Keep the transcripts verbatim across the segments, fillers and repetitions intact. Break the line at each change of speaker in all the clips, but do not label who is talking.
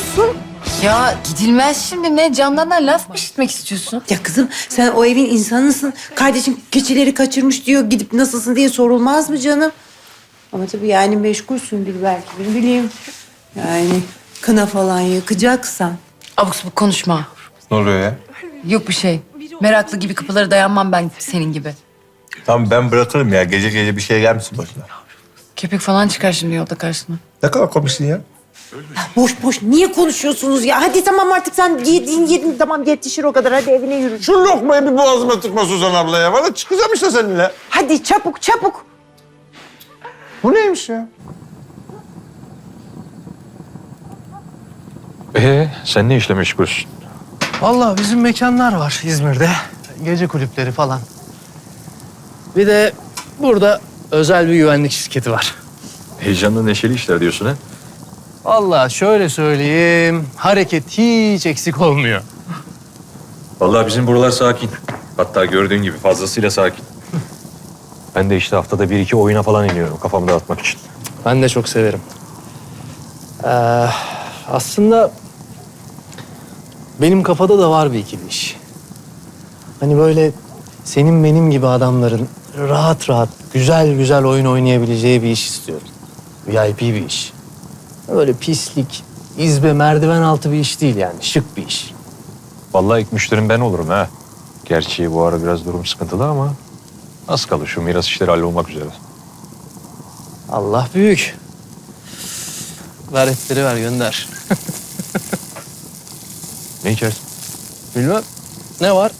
gidiyorsun?
Ya gidilmez şimdi, ne Candan'dan laf mı işitmek istiyorsun?
Ya kızım sen o evin insanısın. Kardeşin keçileri kaçırmış diyor. Gidip nasılsın diye sorulmaz mı canım? Ama tabii yani meşgulsündür belki, ne bileyim. Yani kına falan yakacaksan.
Abuk sabuk konuşma.
Ne oluyor ya?
Yok bir şey. Meraklı gibi kapılara dayanmam ben senin gibi.
Tamam ben bırakırım ya. Gece gece bir şey gelmesin başına.
Köpek falan çıkar şimdi yolda karşına.
Ne kadar komiksin ya.
Boş boş niye konuşuyorsunuz ya? Hadi tamam artık sen yedin yedin tamam yetişir o kadar. Hadi evine yürü.
Şu lokmayı bir boğazıma tıkma Suzan abla ya. Valla çıkacağım işte seninle.
Hadi çabuk çabuk.
Bu neymiş ya?
Ee, sen ne işle meşgulsün?
Vallahi bizim mekanlar var İzmir'de. Gece kulüpleri falan. Bir de burada özel bir güvenlik şirketi var.
Heyecanlı neşeli işler diyorsun ha?
Vallahi şöyle söyleyeyim, hareket hiç eksik olmuyor.
Vallahi bizim buralar sakin. Hatta gördüğün gibi fazlasıyla sakin. Ben de işte haftada bir iki oyuna falan iniyorum kafamı dağıtmak için.
Ben de çok severim. Ee, aslında benim kafada da var bir ikili iş. Hani böyle senin benim gibi adamların rahat rahat, güzel güzel oyun oynayabileceği bir iş istiyorum. V I P bir iş. Böyle pislik, izbe, merdiven altı bir iş değil yani. Şık bir iş.
Vallahi ilk müşterim ben olurum ha. Gerçi bu ara biraz durum sıkıntılı ama az kalır şu miras işleri hallolmak üzere.
Allah büyük. Ver etleri ver gönder.
Ne içersin?
Bilmem. Ne var?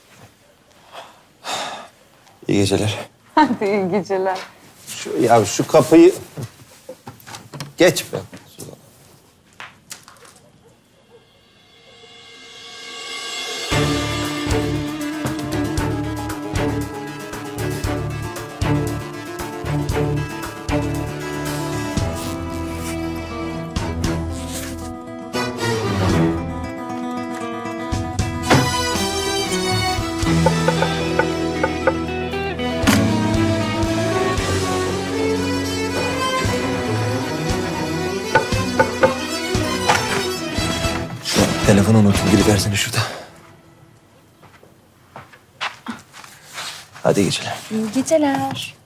İyi geceler.
Hadi iyi geceler.
Şu, ya şu kapıyı... Geç be. Suzan. Telefonu unuttum. Gidiversene şurada. Hadi iyi geceler.
İyi geceler.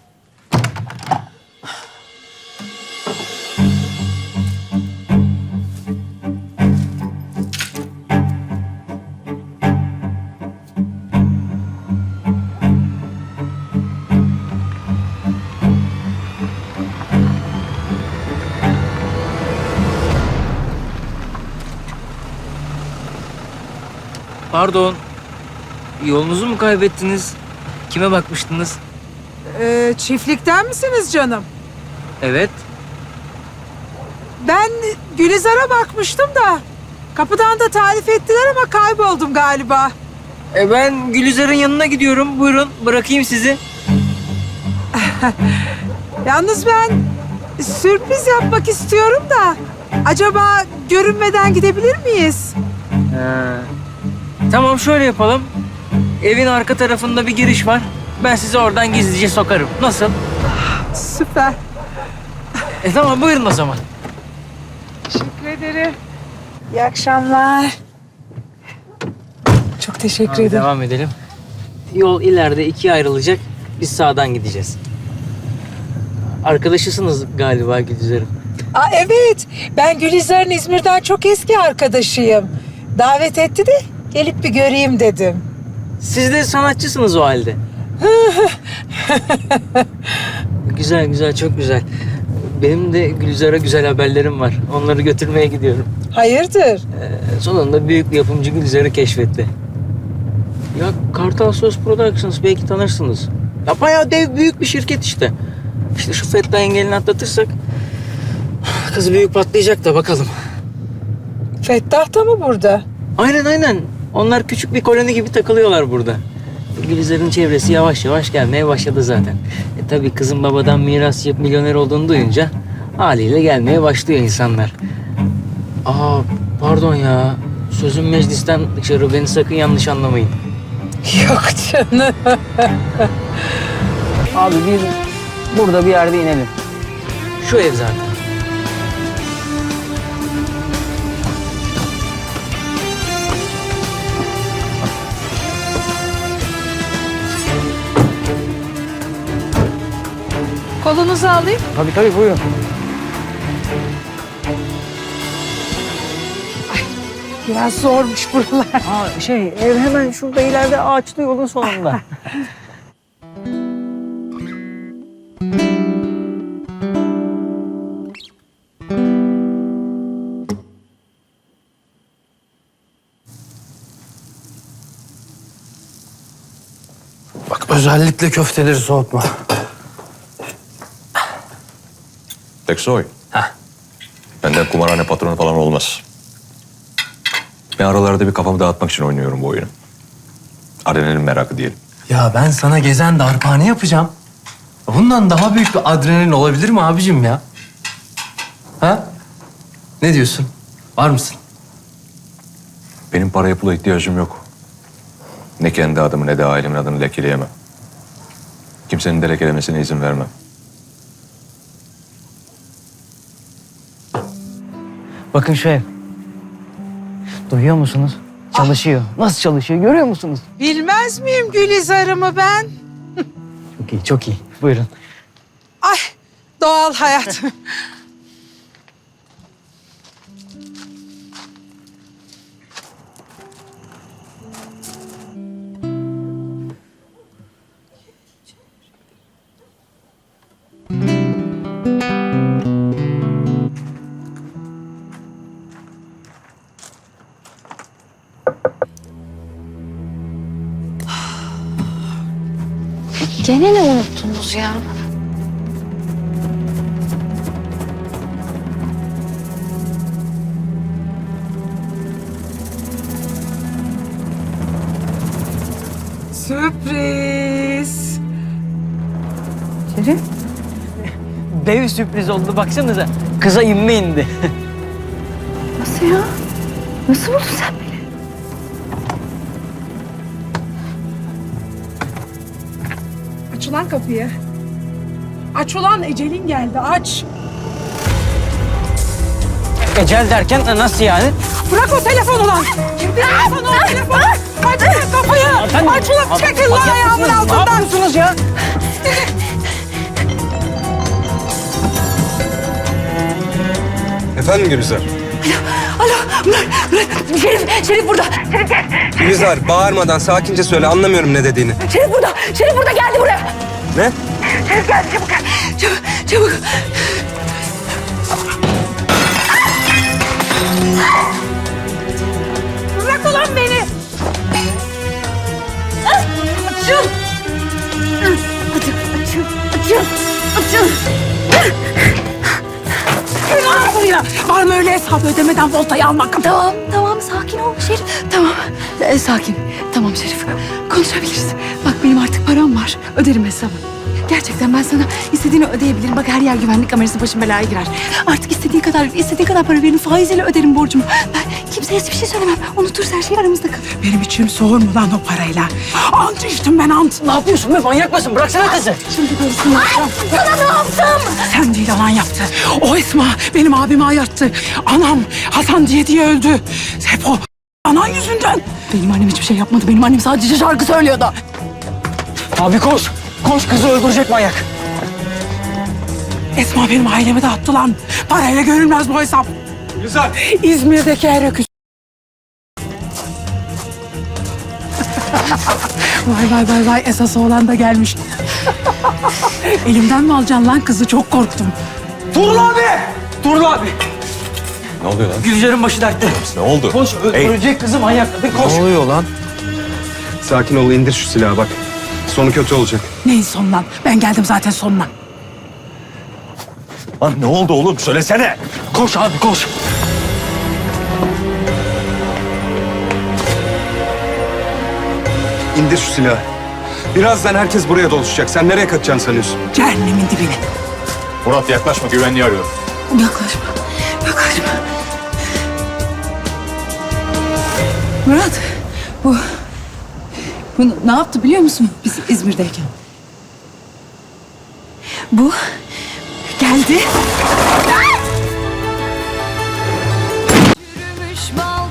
Pardon. Yolunuzu mu kaybettiniz? Kime bakmıştınız?
Ee, çiftlikten misiniz canım?
Evet.
Ben Gülizar'a bakmıştım da kapıdan da tarif ettiler ama kayboldum galiba.
E ben Gülizar'ın yanına gidiyorum. Buyurun bırakayım sizi.
Yalnız ben sürpriz yapmak istiyorum da acaba görünmeden gidebilir miyiz?
Ha. Tamam şöyle yapalım. Evin arka tarafında bir giriş var. Ben sizi oradan gizlice sokarım. Nasıl?
Süper.
E tamam buyurun o zaman.
Teşekkür ederim. İyi akşamlar. Çok teşekkür
Hadi
ederim.
devam edelim. Yol ileride ikiye ayrılacak. Biz sağdan gideceğiz. Arkadaşısınız galiba Gülizar'ın.
Aa, evet, ben Gülizar'ın İzmir'den çok eski arkadaşıyım. Davet etti de gelip bir göreyim dedim.
Siz de sanatçısınız o halde. Güzel güzel çok güzel. Benim de Gülizar'a güzel haberlerim var. Onları götürmeye gidiyorum.
Hayırdır?
Ee, sonunda büyük bir yapımcı Gülizar'ı keşfetti. Ya Kartal Söz Productions belki tanırsınız. Ya bayağı dev büyük bir şirket işte. İşte şu Fettah engelini atlatırsak kız büyük patlayacak da bakalım.
Fettah da mı burada?
Aynen aynen. Onlar küçük bir koloni gibi takılıyorlar burada. Gülizar'ın çevresi yavaş yavaş gelmeye başladı zaten. E tabii kızın babadan miras yapıp milyoner olduğunu duyunca haliyle gelmeye başlıyor insanlar. Aa pardon ya. Sözüm meclisten dışarı, beni sakın yanlış anlamayın.
Yok canım.
Abi biz burada bir yerde inelim. Şu ev zaten.
Kolunuzu alayım.
Tabii tabii buyurun.
Biraz zormuş buralar.
Aa, şey ev hemen şurada ileride ağaçlı yolun sonunda.
Bak özellikle köfteleri soğutma.
Teksoy. Heh. Benden kumarhane patronu falan olmaz. Ben aralarda bir kafamı dağıtmak için oynuyorum bu oyunu. Adrenalin merakı diyelim.
Ya ben sana gezen darphane yapacağım. Bundan daha büyük bir adrenalin olabilir mi abicim ya? Ha? Ne diyorsun? Var mısın?
Benim paraya pula ihtiyacım yok. Ne kendi adımı ne de ailemin adını lekeleyemem. Kimsenin de lekelemesine izin vermem.
Bakın şu ev. Duyuyor musunuz? Çalışıyor. Nasıl çalışıyor görüyor musunuz?
Bilmez miyim Gülizar'ımı ben?
Çok iyi, çok iyi. Buyurun.
Ay doğal hayat.
Gene ne unuttunuz ya?
Sürpriz.
Şerif. Dev sürpriz oldu baksanıza. Kıza inme indi.
Nasıl ya? Nasıl buldun sen beni?
Aç ulan kapıyı. Aç ulan ecelin geldi aç.
Ecel derken nasıl yani?
Bırak o telefonu lan. Kim telefonu o telefonu? Aç ulan kapıyı. Aç ulan çekil lan ayağımın
Ne
altından.
yapıyorsunuz ya?
Efendim Gülizar?
Şerif, Şerif burada. Şerif gel.
Gülizar bağırmadan sakince söyle, anlamıyorum ne dediğini.
Şerif burada. Şerif burada, geldi buraya.
Ne?
Şerif geldi, çabuk gel. Çabuk, çabuk.
Bırak ulan beni.
Açıl. Açıl, açıl, açıl, açıl.
Gel buraya. Var mı öyle hesap ödemeden voltayı almak?
Tamam, tamam. Sakin ol Şerif. Tamam. Ee, sakin. Tamam Şerif. Konuşabiliriz. Bak benim artık param var. Öderim hesabı. Gerçekten ben sana istediğini ödeyebilirim. Bak her yer güvenlik kamerası, başım belaya girer. Artık istediğin kadar, istediğin kadar para verin. Faiziyle öderim borcumu. Ben kimseye hiçbir şey söylemem. Unuturuz, her şey aramızda kalır.
Benim içim soğur mu lan o parayla? Ant içtim ben ant.
Ne yapıyorsun be? Manyak mısın? Bıraksana kızı.
Şimdi karısını yapacağım.
Sana ne yaptım?
Sen değil anan yaptı. O Esma benim abimi ayarttı. Anam Hasan diye diye öldü. Hep o anan yüzünden.
Benim annem hiçbir şey yapmadı. Benim annem sadece şarkı söylüyordu.
Abi koş. Koş, kızı öldürecek manyak.
Esma benim ailemi dağıttı lan. Parayla görülmez bu hesap.
Gülizar!
İzmir'deki her öküz. Vay vay vay vay, esas oğlan da gelmiş. Elimden mi alacaksın lan kızı? Çok korktum.
Turul abi! Turul abi!
Ne oluyor lan?
Gülcer'in başı dertte.
Ne oldu?
Koş, öldürecek kızı manyakladı. Koş.
Ne oluyor lan?
Sakin ol, indir şu silahı bak. Sonu kötü olacak.
Neyin sonu lan? Ben geldim zaten sonuna.
Lan ne oldu oğlum? Söylesene.
Koş abi koş.
İndir şu silahı. Birazdan herkes buraya doluşacak. Sen nereye kaçacaksın sanıyorsun?
Cehennemin dibine.
Murat yaklaşma, güvenliği arıyorum.
Yaklaşma. Yaklaşma.
Murat, bu, bu ne yaptı biliyor musun biz İzmir'deyken? Bu geldi.
Yürümüş bal